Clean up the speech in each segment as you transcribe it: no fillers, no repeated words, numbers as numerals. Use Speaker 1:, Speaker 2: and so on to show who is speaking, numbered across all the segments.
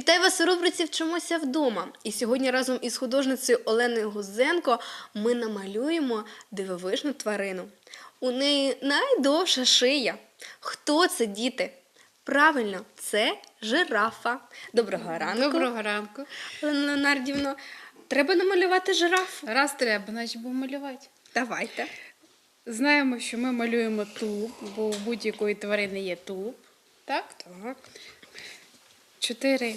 Speaker 1: Вітаю вас у рубриці «Вчимося вдома». І сьогодні разом із художницею Оленою Гузенко ми намалюємо дивовижну тварину. У неї найдовша шия. Хто це, діти? Правильно, це жирафа. Доброго ранку.
Speaker 2: Доброго ранку.
Speaker 1: Олена Леонардівна, треба намалювати жирафу.
Speaker 2: Раз треба, значить будемо малювати.
Speaker 1: Давайте.
Speaker 2: Знаємо, що ми малюємо тулуб, бо у будь-якої тварини є тулуб. Так?
Speaker 1: Так.
Speaker 2: 4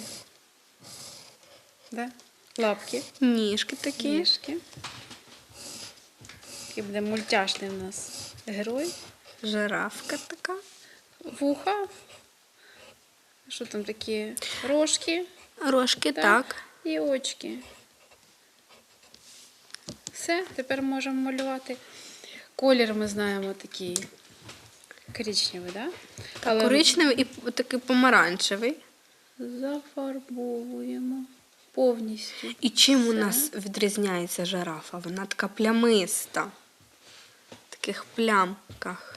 Speaker 2: лапки,
Speaker 1: Ніжки такі.
Speaker 2: ніжки. Такий буде мультяшний у нас герой.
Speaker 1: Жирафка така.
Speaker 2: Вуха. Що там такі? Рожки.
Speaker 1: Рожки, так.
Speaker 2: І очки. Все, тепер можемо малювати. Колір ми знаємо такий коричневий, так? Але
Speaker 1: Коричневий і такий помаранчевий.
Speaker 2: зафарбовуємо повністю.
Speaker 1: І чим у
Speaker 2: Все.
Speaker 1: нас відрізняється жирафа? Вона така плямиста. В таких плямках.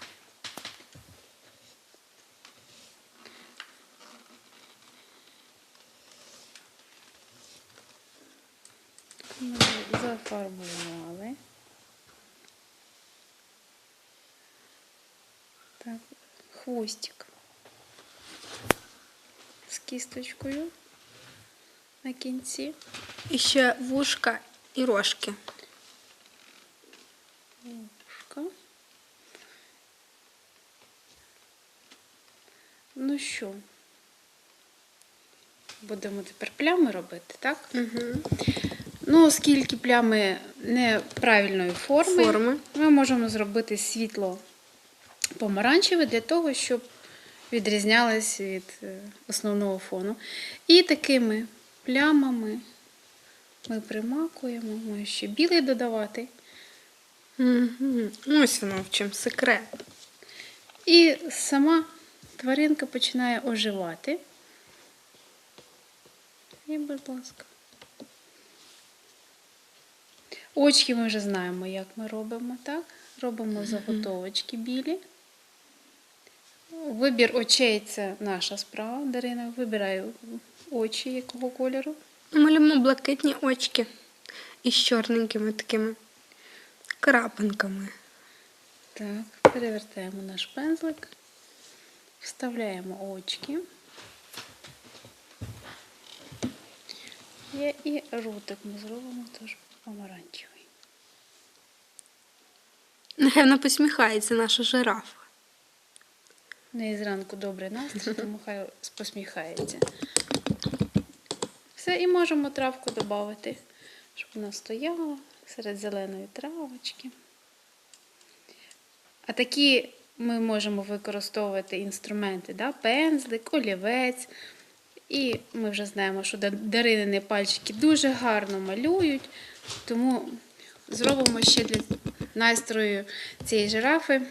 Speaker 2: Ми зафарбували. Так, хвостик з кісточкою на кінці.
Speaker 1: І ще вушка і рожки.
Speaker 2: Вушка. Ну що, будемо тепер плями робити, так?
Speaker 1: Угу.
Speaker 2: Ну, оскільки плями неправильної форми, ми можемо зробити світло помаранчеве для того, щоб відрізнялось від основного фону. І такими плямами ми примакуємо, можемо ще білий додавати.
Speaker 1: Угу. Ось воно в чому секрет.
Speaker 2: І сама тваринка починає оживати. І, будь ласка. Очки ми вже знаємо, як ми робимо, так? Робимо заготовочки білі. Вибір очей – це наша справа. Дарина вибирає очі якого кольору.
Speaker 1: Малюємо блакитні очки із чорненькими такими крапинками.
Speaker 2: Так, перевертаємо наш пензлик, вставляємо очки. І ротик ми зробимо теж помаранчевий.
Speaker 1: Нехай вона посміхається, наша жирафа.
Speaker 2: У неї зранку добрий настрій, тому хай посміхається. Все, і можемо травку додати, щоб вона стояла серед зеленої травочки. А такі ми можемо використовувати інструменти, да? Пензлик, олівець. І ми вже знаємо, що Даринини пальчики дуже гарно малюють, тому зробимо ще для настрою цієї жирафи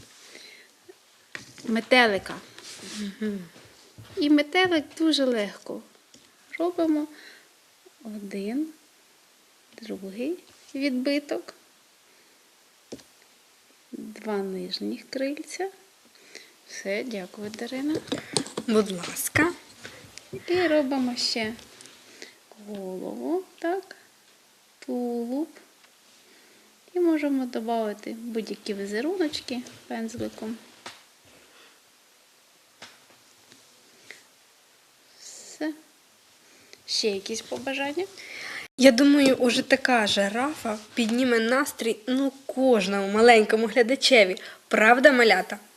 Speaker 2: метелика.
Speaker 1: Угу.
Speaker 2: І метелик дуже легко. Робимо один, другий відбиток, 2 нижніх крильця. Все, дякую, Дарина.
Speaker 1: Будь ласка.
Speaker 2: І робимо ще голову, так, тулуб. І можемо додати будь-які візеруночки пензликом. Все. Ще якісь побажання?
Speaker 1: Я думаю, уже така жирафа підніме настрій кожному маленькому глядачеві. Правда, малята?